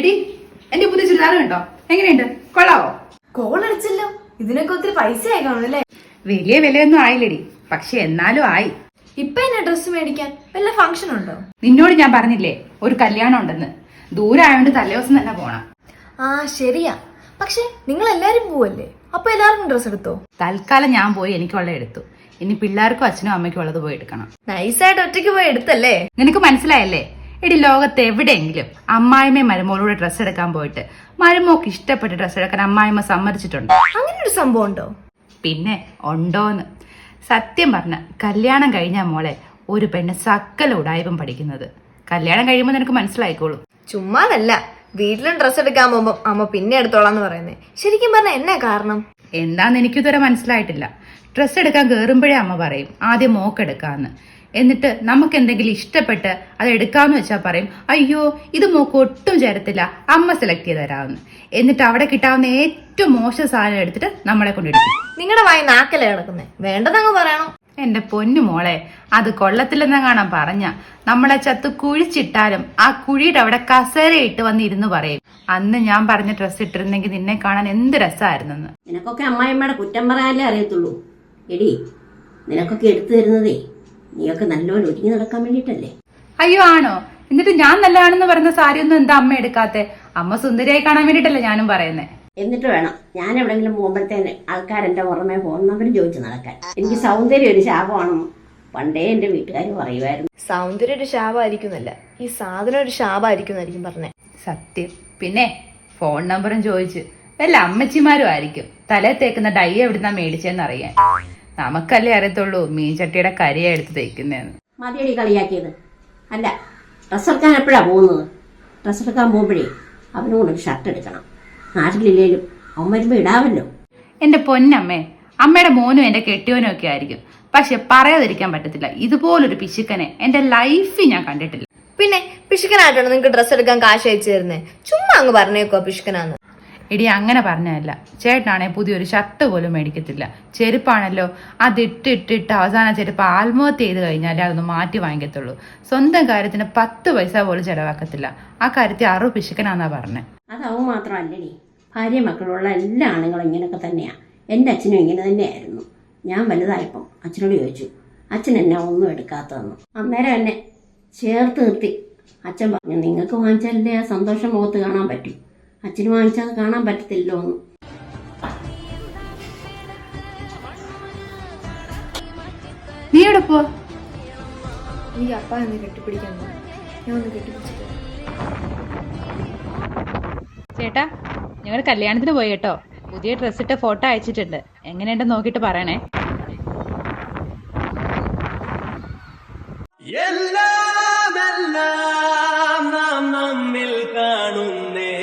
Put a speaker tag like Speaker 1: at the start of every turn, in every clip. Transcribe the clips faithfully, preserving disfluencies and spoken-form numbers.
Speaker 1: എടി എന്റെ പുതിയ ചുരിദാർ കണ്ടോ? എങ്ങനെയുണ്ട്? കൊള്ളാവോ?
Speaker 2: കോൾ അടിച്ചല്ലോ. ഇതിനൊക്കെ ഒത്തിരി പൈസ ആയി കാണുമല്ലേ?
Speaker 1: വലിയ വിലയൊന്നും ആയില്ലടി, പക്ഷെ എന്നാലും ആയി.
Speaker 2: ഇപ്പൊ എന്നെ ഡ്രസ്സ് മേടിക്കാൻ വല്ല ഫംഗ്ഷൻ ഉണ്ടോ?
Speaker 1: നിന്നോട് ഞാൻ പറഞ്ഞില്ലേ ഒരു കല്യാണം ഉണ്ടെന്ന്. ദൂരായോണ്ട് തലേദിവസം തന്നെ പോണം.
Speaker 2: ആ ശരിയാ, പക്ഷെ നിങ്ങൾ എല്ലാരും പോവല്ലേ, അപ്പൊ എല്ലാവർക്കും ഡ്രസ് എടുത്തോ?
Speaker 1: തൽക്കാലം ഞാൻ പോയി എനിക്കുള്ള എടുത്തു. ഇനി പിള്ളേർക്കും അച്ഛനും അമ്മയ്ക്കും ഉള്ളത് പോയി എടുക്കണം.
Speaker 2: നൈസായിട്ട് ഒറ്റയ്ക്ക് പോയി എടുത്തല്ലേ?
Speaker 1: നിനക്ക് മനസ്സിലായല്ലേ? എടി, ലോകത്ത് എവിടെയെങ്കിലും അമ്മായിമ്മ മരുമോളൂടെ ഡ്രസ്സ് എടുക്കാൻ പോയിട്ട് മരുമോക്ക് ഇഷ്ടപ്പെട്ട ഡ്രസ്സ് എടുക്കാൻ അമ്മായിമ്മ സമ്മതിച്ചിട്ടുണ്ടോ?
Speaker 2: അങ്ങനെ ഒരു സംഭവം ഉണ്ടോ?
Speaker 1: പിന്നെ ഉണ്ടോന്ന്. സത്യം പറഞ്ഞ കല്യാണം കഴിഞ്ഞ മോളെ ഒരു പെണ്ണ് സകല ഉടായ്പം പഠിക്കുന്നത്. കല്യാണം കഴിയുമ്പോൾ നിനക്ക് മനസ്സിലായിക്കോളൂ.
Speaker 2: ചുമ്മാതല്ല, വീട്ടിലും ഡ്രസ്സ് എടുക്കാൻ പോകുമ്പോ അമ്മ പിന്നെ എടുത്തോളാന്ന് പറയുന്നേ. ശരിക്കും പറഞ്ഞ എന്നാ കാരണം?
Speaker 1: എന്താന്ന് എനിക്കിതുവരെ മനസ്സിലായിട്ടില്ല. ഡ്രസ്സ് എടുക്കാൻ കയറുമ്പോഴേ അമ്മ പറയും ആദ്യം മോക്കെടുക്കാന്ന്. എന്നിട്ട് നമുക്ക് എന്തെങ്കിലും ഇഷ്ടപ്പെട്ട് അത് എടുക്കാന്ന് വെച്ചാൽ പറയും അയ്യോ ഇത് മോക്ക് ഒട്ടും ചേരത്തില്ല, അമ്മ സെലക്ട് ചെയ്ത് തരാമെന്ന്. എന്നിട്ട് അവിടെ കിട്ടാവുന്ന ഏറ്റവും മോശം സാധനം എടുത്തിട്ട് നമ്മളെ കൊണ്ടിടിക്കും.
Speaker 2: നിങ്ങളുടെ വായി നാക്കല്ലേ കിടക്കുന്നേ, വേണ്ടതങ്ങ് പറയണം.
Speaker 1: എന്റെ പൊന്നു മോളെ, അത് കൊള്ളത്തില്ലെന്ന കാണാൻ പറഞ്ഞ നമ്മളെ ചത്ത് കുഴിച്ചിട്ടാലും ആ കുഴിയുടെ അവിടെ കസേരയിട്ട് വന്നിരുന്ന് പറയും അന്ന് ഞാൻ പറഞ്ഞ ഡ്രസ്സ് ഇട്ടിരുന്നെങ്കിൽ നിന്നെ കാണാൻ എന്ത് രസമായിരുന്നെന്ന്.
Speaker 3: നിനക്കൊക്കെ അമ്മായിമ്മയുടെ കുറ്റം പറയാനല്ലേ അറിയത്തുള്ളൂ. എടി, നിനക്കൊക്കെ എടുത്തു തരുന്നതേ നീയൊക്കെ നല്ലോണം ഒരുങ്ങി നടക്കാൻ വേണ്ടിട്ടല്ലേ.
Speaker 1: അയ്യോ ആണോ? എന്നിട്ട് ഞാൻ നല്ലതാണെന്ന് പറയുന്ന സാരിയൊന്നും എന്താ അമ്മ എടുക്കാത്തെ? അമ്മ സുന്ദരിയായി കാണാൻ വേണ്ടിട്ടല്ലേ ഞാനും പറയുന്നേ.
Speaker 3: എന്നിട്ട് വേണം ഞാൻ എവിടെങ്കിലും പോകുമ്പോഴത്തേന് ആൾക്കാരെന്റെ പുറമെ ഫോൺ നമ്പർ ചോദിച്ചു നടക്കാൻ. എനിക്ക് സൗന്ദര്യം ഒരു ശാപമാണെന്ന് പണ്ടേ എന്റെ വീട്ടുകാർ പറയുമായിരുന്നു.
Speaker 2: സൗന്ദര്യം ഒരു ശാപമായിരിക്കുന്നല്ല, ഈ സാധനം ഒരു ശാപമായിരിക്കും പറഞ്ഞേ.
Speaker 1: സത്യം. പിന്നെ ഫോൺ നമ്പറും ചോദിച്ച് വല്ല അമ്മച്ചിമാരും ആയിരിക്കും തലേ തേക്കുന്ന ഡൈ എവിടുന്നാ മേടിച്ചെന്ന് അറിയാൻ. നമുക്കല്ലേ അറിയത്തുള്ളൂ മീൻ ചട്ടിയുടെ കരിയ എടുത്ത് തേക്കുന്നതെന്ന്.
Speaker 3: മതിയടി കളിയാക്കിയത്. അല്ല, ഡ്രസ്സ് എടുക്കാൻ എപ്പോഴാ പോകുന്നത്? ഡ്രസ്സ് എടുക്കാൻ പോകുമ്പോഴേ അവനും കൂടെ ഒരു ഷർട്ട് എടുക്കണം. നാട്ടിലില്ലേലും അവൻ വരുമ്പോ ഇടാവല്ലോ.
Speaker 1: എന്റെ പൊന്നമ്മേ, അമ്മയുടെ മോനും എന്റെ കെട്ടിയോനും ഒക്കെ ആയിരിക്കും, പക്ഷെ പറയാതിരിക്കാൻ പറ്റത്തില്ല ഇതുപോലൊരു പിശുക്കനെ എന്റെ ലൈഫിൽ ഞാൻ കണ്ടിട്ടില്ല.
Speaker 2: പിന്നെ പിശുക്കനായിട്ടാണ് നിങ്ങൾക്ക് ഡ്രസ്സ് എടുക്കാൻ കാശ് അയച്ചു തരുന്നേ? ചുമ്മാ അങ്ങ് പറഞ്ഞേക്കോ പിശുക്കനാന്ന്.
Speaker 1: എടി, അങ്ങനെ പറഞ്ഞതല്ല. ചേട്ടനാണെ പുതിയൊരു ഷർട്ട് പോലും മേടിക്കത്തില്ല. ചെരുപ്പാണല്ലോ അതിട്ടിട്ടിട്ട് അവസാന ചെരുപ്പ് ആത്മഹത്യ ചെയ്ത് കഴിഞ്ഞാലേ അതൊന്ന് മാറ്റി വാങ്ങിക്കത്തുള്ളൂ. സ്വന്തം കാര്യത്തിന് പത്ത് പൈസ പോലും ചെലവാക്കത്തില്ല. ആ കാര്യത്തിൽ അറു പിശുക്കനാന്നാ പറഞ്ഞേ.
Speaker 3: അതാവും മാത്രമല്ലടി, ഭാര്യ മക്കളുള്ള എല്ലാ ആണുങ്ങളും ഇങ്ങനെയൊക്കെ തന്നെയാ. എൻ്റെ അച്ഛനും ഇങ്ങനെ തന്നെയായിരുന്നു. ഞാൻ വലുതായപ്പം അച്ഛനോട് ചോദിച്ചു അച്ഛൻ എന്നെ ഒന്നും എടുക്കാത്തതെന്ന്. അന്നേരം എന്നെ ചേർത്ത് നിർത്തി അച്ഛൻ പറഞ്ഞു നിങ്ങൾക്ക് വാങ്ങിച്ചാലല്ലേ ആ സന്തോഷം മുഖത്ത് കാണാൻ പറ്റൂ, അച്ഛന് വാങ്ങിച്ചാൽ കാണാൻ പറ്റത്തില്ലോ എന്ന്.
Speaker 1: നീ എവിടെ പോ?
Speaker 2: എനിക്ക് അപ്പ ഒന്ന് കെട്ടിപ്പിടിക്കാൻ പോ. ഞാൻ ഒന്ന് കെട്ടിപ്പിടിച്ചിട്ട്
Speaker 1: ചേട്ടാ, ഞങ്ങൾ കല്യാണത്തിന് പോയി കേട്ടോ. പുതിയ ഡ്രസ് ഇട്ട ഫോട്ടോ അയച്ചിട്ടുണ്ട്. എങ്ങനെയുണ്ടെന്ന് നോക്കിയിട്ട് പറയണേ.
Speaker 4: എല്ലാം എല്ലാം നാം നമ്മിൽ കാണുന്നേ,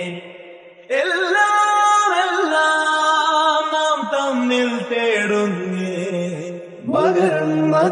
Speaker 4: എല്ലാം എല്ലാം നാം തമ്മിൽ തേടുന്നേ.